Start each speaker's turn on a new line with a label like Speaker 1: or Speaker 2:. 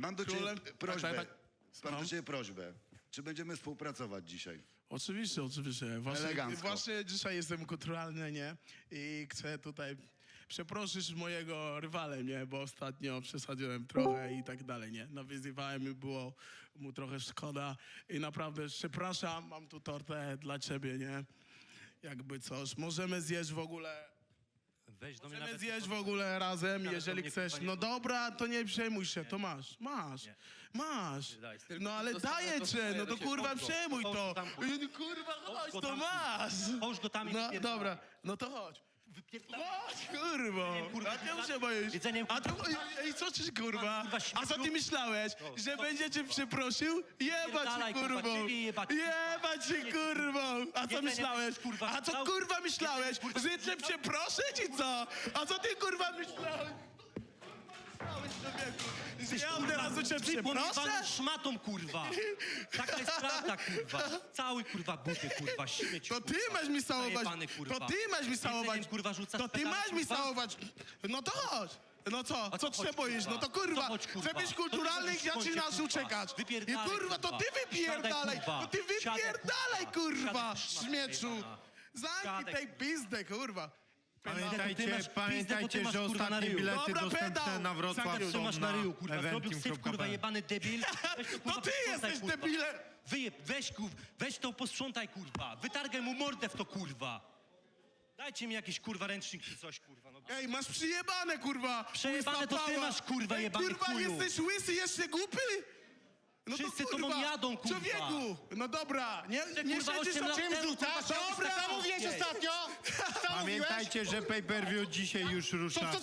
Speaker 1: Mam do ciebie
Speaker 2: królem...
Speaker 1: prośbę.
Speaker 2: Słucham?
Speaker 1: Mam do ciebie prośbę. Czy będziemy współpracować dzisiaj?
Speaker 2: Oczywiście, oczywiście.
Speaker 1: Elegancko.
Speaker 2: Właśnie dzisiaj jestem kulturalny, nie? I chcę tutaj przeprosić mojego rywale, nie? Bo ostatnio przesadziłem trochę i tak dalej, nie? Nawyzywałem i było mu trochę szkoda. I naprawdę przepraszam, mam tu tortę dla ciebie, nie? Jakby coś. Możemy zjeść w ogóle...
Speaker 3: Weź do mnie
Speaker 2: Możemy
Speaker 3: nawet...
Speaker 2: zjeść w ogóle razem,
Speaker 3: Nawet
Speaker 2: jeżeli
Speaker 3: do mnie,
Speaker 2: chcesz.
Speaker 3: kurwa, nie
Speaker 2: No
Speaker 3: podchodź.
Speaker 2: dobra, to nie przejmuj się, to masz.
Speaker 3: Nie.
Speaker 2: Masz.
Speaker 3: Daj.
Speaker 2: No ale
Speaker 3: Dostanę
Speaker 2: daję
Speaker 3: to
Speaker 2: cię,
Speaker 3: swoje
Speaker 2: no to
Speaker 3: do
Speaker 2: kurwa
Speaker 3: ciebie.
Speaker 2: przejmuj
Speaker 3: Połóż
Speaker 2: to.
Speaker 3: go tam, kurwa.
Speaker 2: Kurwa, chodź,
Speaker 3: go
Speaker 2: to
Speaker 3: tam,
Speaker 2: masz.
Speaker 3: Połóż go tam i
Speaker 2: No
Speaker 3: wypierdalaj.
Speaker 2: dobra, no to chodź.
Speaker 3: Wypierdalaj.
Speaker 2: Chodź, kurwa.
Speaker 3: kurwa,
Speaker 2: A czemu się boisz?
Speaker 3: jedzeniem,
Speaker 2: A to, i co ci kurwa?
Speaker 3: kurwa,
Speaker 2: A co ty
Speaker 3: śmieciu.
Speaker 2: myślałeś? Że będzie cię przeprosił? Jebać
Speaker 3: Wypierdalaj,
Speaker 2: cię
Speaker 3: kurwa,
Speaker 2: kurwą.
Speaker 3: ciebie jebać, kurwa.
Speaker 2: Jebać cię kurwą. A co
Speaker 3: Jedzenie
Speaker 2: myślałeś?
Speaker 3: będziesz, kurwa,
Speaker 2: A co
Speaker 3: chciał?
Speaker 2: kurwa myślałeś?
Speaker 3: Kurwa,
Speaker 2: Że cię przeproszę czy co? A co ty kurwa myślałeś? Że ja od razu cię przeproszę?
Speaker 3: szmatą, kurwa. Taka jest prawda, kurwa. Cały, kurwa, buty, kurwa, śmieciu.
Speaker 2: To ty masz mi całować.
Speaker 3: Zajebany, kurwa.
Speaker 2: To ty masz mi całować.
Speaker 3: Jedzeniem, kurwa, rzucasz
Speaker 2: To ty
Speaker 3: pedale,
Speaker 2: masz mi
Speaker 3: kurwa?
Speaker 2: całować. No to chodź. No co?
Speaker 3: A
Speaker 2: Co
Speaker 3: to
Speaker 2: ty się
Speaker 3: chodź,
Speaker 2: boisz?
Speaker 3: kurwa.
Speaker 2: No to kurwa.
Speaker 3: To chodź, kurwa.
Speaker 2: Chcę być
Speaker 3: To
Speaker 2: kulturalny
Speaker 3: ty
Speaker 2: i
Speaker 3: chodź,
Speaker 2: zaczynasz
Speaker 3: kurwa.
Speaker 2: uciekać. I
Speaker 3: Wypierdalaj,
Speaker 2: kurwa, to ty
Speaker 3: kurwa.
Speaker 2: wypierdalaj.
Speaker 3: Siadaj, kurwa.
Speaker 2: To ty
Speaker 3: Siadaj,
Speaker 2: wypierdalaj, kurwa.
Speaker 3: Siadaj,
Speaker 2: Śmieczu.
Speaker 3: jebana.
Speaker 2: Zamknij
Speaker 3: Siadaj,
Speaker 2: tej pizdę, kurwa.
Speaker 4: Pamiętajcie, że ostatnie bilety
Speaker 2: Dobra,
Speaker 4: dostępne
Speaker 2: pedał.
Speaker 4: na Wrocław
Speaker 2: Zagrał,
Speaker 4: są
Speaker 3: masz na
Speaker 4: na
Speaker 3: ryju, kurwa. Zrobił syf, kurwa,
Speaker 4: eventim.pl.
Speaker 3: jebany debil. Weź to, kurwa,
Speaker 2: To ty
Speaker 3: posprzątaj,
Speaker 2: jesteś
Speaker 3: kurwa.
Speaker 2: debilem.
Speaker 3: Weź to, posprzątaj, kurwa. Wytargaj mu mordę w to, kurwa. Dajcie mi jakiś, kurwa, ręcznik czy coś, kurwa. No.
Speaker 2: Ej, masz przyjebane, kurwa.
Speaker 3: Przejebane
Speaker 2: Łysa
Speaker 3: to ty
Speaker 2: pała.
Speaker 3: masz, kurwa,
Speaker 2: Ej,
Speaker 3: jebany
Speaker 2: kurwa,
Speaker 3: chuju.
Speaker 2: jesteś łysy, jeszcze głupi? No
Speaker 3: Wszyscy
Speaker 2: to,
Speaker 3: tobą
Speaker 2: kurwa,
Speaker 3: jadą, kurwa.
Speaker 2: Człowieku, no dobra, nie
Speaker 3: kurwa,
Speaker 2: siedzisz
Speaker 3: 8 lat
Speaker 2: czym
Speaker 3: temu,
Speaker 2: rzucasz?
Speaker 3: kurwa,
Speaker 2: Dobra,
Speaker 3: co mówiłeś
Speaker 2: ostatnio?
Speaker 4: Pamiętajcie, że pay-per-view dzisiaj już rusza.